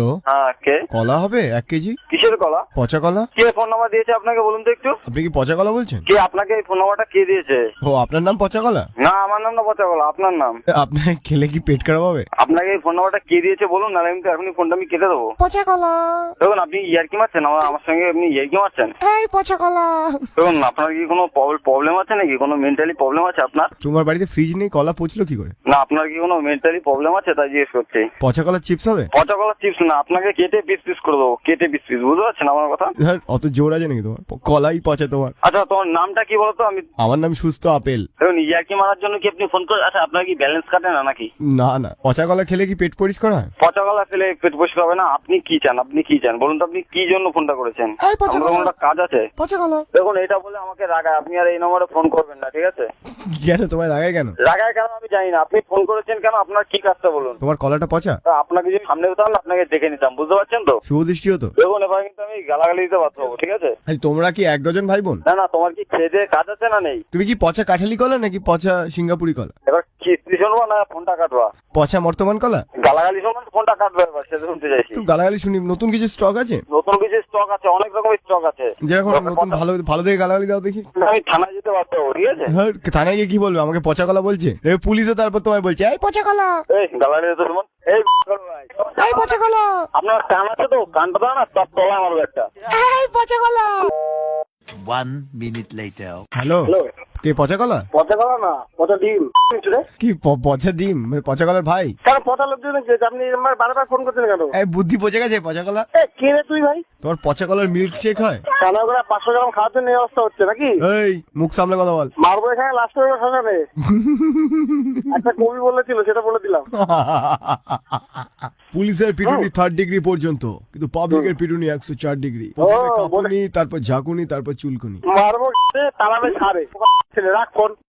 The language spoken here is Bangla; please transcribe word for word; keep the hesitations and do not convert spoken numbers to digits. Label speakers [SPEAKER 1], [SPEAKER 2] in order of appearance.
[SPEAKER 1] হ্যালো,
[SPEAKER 2] হ্যাঁ কে?
[SPEAKER 1] কলা হবে এক কেজি?
[SPEAKER 2] কিসের কলা?
[SPEAKER 1] পচা কলা।
[SPEAKER 2] কে ফোন নাম্বার দিয়েছে আপনাকে বলুন তো একটু?
[SPEAKER 1] আপনি কি পচা কলা বলছেন?
[SPEAKER 2] কে আপনাকে এই ফোন নাম্বারটা কে দিয়েছে?
[SPEAKER 1] ও, আপনার নাম পচা কলা?
[SPEAKER 2] না আমার নাম না পচা কলা, আপনার নাম।
[SPEAKER 1] আপনার খেলে কি পেট খারাপ হবে?
[SPEAKER 2] আপনাকে এই ফোন নাম্বারটা কে দিয়েছে বলুন, নাহলে আমি তো এখনই ফোনটা আমি কেটে দেবো।
[SPEAKER 1] পচা কলা।
[SPEAKER 2] দেখুন আপনি ইয়ার্কি মারছেন, আমার আমার সঙ্গে আপনি ইয়ার্কি মারছেন।
[SPEAKER 1] এই পচা কলা।
[SPEAKER 2] দেখুন আপনার কি কোনো প্রবলেম আছে নাকি, কোনো মেন্টালি প্রবলেম আছে আপনার?
[SPEAKER 1] তোমার বাড়িতে ফ্রিজ নেই, কলা পচলো কি করে?
[SPEAKER 2] না আপনার কি কোনো মেন্টালি প্রবলেম আছে তাই জিজ্ঞেস করছি।
[SPEAKER 1] পচা কলা চিপস হবে?
[SPEAKER 2] পচা কলা চিপস না, আপনাকে কেটে পিস পিস করে দেবো, কেটে পিস পিস, বুঝতে পারছেন আমার কথা?
[SPEAKER 1] হ্যাঁ, অত জোর আছে নাকি তোমার? কলাই পচা তোমার।
[SPEAKER 2] আচ্ছা তোমার নামটা কি বলতো? আমি
[SPEAKER 1] আমার নাম সুস্থ আপেল।
[SPEAKER 2] দেখুন ইয়ার্কি মারার জন্য কি আপনি ফোন করে? আচ্ছা আপনার কি ব্যালেন্স কাটে না নাকি?
[SPEAKER 1] না না, পচা কলা খেলে কি পেট পরিষ্কার হয়?
[SPEAKER 2] পচা কলা খেলে পেট পরিষ্কার হবে না? আপনি কি চান, আপনি কি চান বলুন তো? আপনি কি জন্য ফোনটা করেছেন?
[SPEAKER 1] এই পচা
[SPEAKER 2] আমার
[SPEAKER 1] কলা।
[SPEAKER 2] কোনো একটা কাজ আছে।
[SPEAKER 1] পচা কলা।
[SPEAKER 2] দেখুন এটা বলে আমাকে রাগায়, আপনি আর এই নম্বরে ফোন করবেন না, ঠিক আছে?
[SPEAKER 1] কেন তোমার রাগায় কেন?
[SPEAKER 2] রাগায় কেন আমি জানি না, আপনি ফোন করেছেন কেন, আপনার কি কাজটা বলুন?
[SPEAKER 1] তোমার কলাটা পচা?
[SPEAKER 2] তা আপনাকে যদি সামনে হতাম না, আপনাকে দেখে নিতাম, বুঝতে পারছেন তো?
[SPEAKER 1] শুভদৃষ্টি হতো।
[SPEAKER 2] দেখুন এবার কিন্তু আমি গালাগালি দিতে বাধ্য হবো, ঠিক আছে?
[SPEAKER 1] আরে তোমরা কি এক ডজন ভাই বোন?
[SPEAKER 2] না না, তোমার কি খেয়ে দেয়ে কাজ আছে না নেই?
[SPEAKER 1] তুমি কি পচা কাঠালি কলা নাকি পচা সিঙ্গাপুরি কলা?
[SPEAKER 2] এবার কিস্তি শুনবো না ফোনটা কাটবা?
[SPEAKER 1] পচা বর্তমান কলা?
[SPEAKER 2] গালাগালি শুনবো না ফোনটা কাটবে, এবার সেটা শুনতে চাইছি।
[SPEAKER 1] একটু গালাগালি শুনি। নতুন কিছু স্টক আছে?
[SPEAKER 2] নতুন কিছু স্টক আছে, অনেক রকমের স্টক আছে।
[SPEAKER 1] যেরকম নতুন ভালো ভালো দেখে গালাগালি দাও দেখি।
[SPEAKER 2] আমি থানায় যেতে বাধ্য হবো, ঠিক আছে?
[SPEAKER 1] হ্যাঁ, থানায় গিয়ে কি বলবে? আমাকে পচা কলা বলছে। এবার পুলিশও তারপর তোমায় বলছে এই পচা কলা।
[SPEAKER 2] এই গালাগালি দিতে শুনুন। এই ভাই
[SPEAKER 1] এই পচা কলা।
[SPEAKER 2] আপনার কান আছে তো? কানটা দাও না, সব তলা মারবে একটা।
[SPEAKER 1] এই পচা কলা।
[SPEAKER 3] One minute later.
[SPEAKER 1] Hello,
[SPEAKER 2] hello,
[SPEAKER 1] কে পচা কলা?
[SPEAKER 2] পচা কলা না, পচা ডিম।
[SPEAKER 1] কি প- পচা ডিম? মানে পচা কলার ভাই?
[SPEAKER 2] কেন পচা লোক জন্য আপনি আমার বারবার ফোন করছেন কেন?
[SPEAKER 1] এই বুদ্ধি পচে গেছে পচা কলা।
[SPEAKER 2] এ কে রে তুই ভাই?
[SPEAKER 1] তোমার পচা কলার মিল্ক শেক হয়?
[SPEAKER 2] কানা করে পাঁচশো গ্রাম খাওয়ার জন্য এই অবস্থা হচ্ছে নাকি?
[SPEAKER 1] এই মুখ সামলে কথা বল।
[SPEAKER 2] মারবো এখানে লাস্ট করে শ্মশানে। একটা কবি বলেছিল, সেটা বলে দিলাম।
[SPEAKER 1] পুলিশের পিটুনি থার্ড ডিগ্রি পর্যন্ত, কিন্তু পাবলিকের পিটুনি একশো চার ডিগ্রি। প্রথমে কাঁপুনি, তারপর ঝাঁকুনি, তারপর চুলকুনি।
[SPEAKER 2] মারবো তালাবে ছাড়ে ছেলে, রাখ ফোন।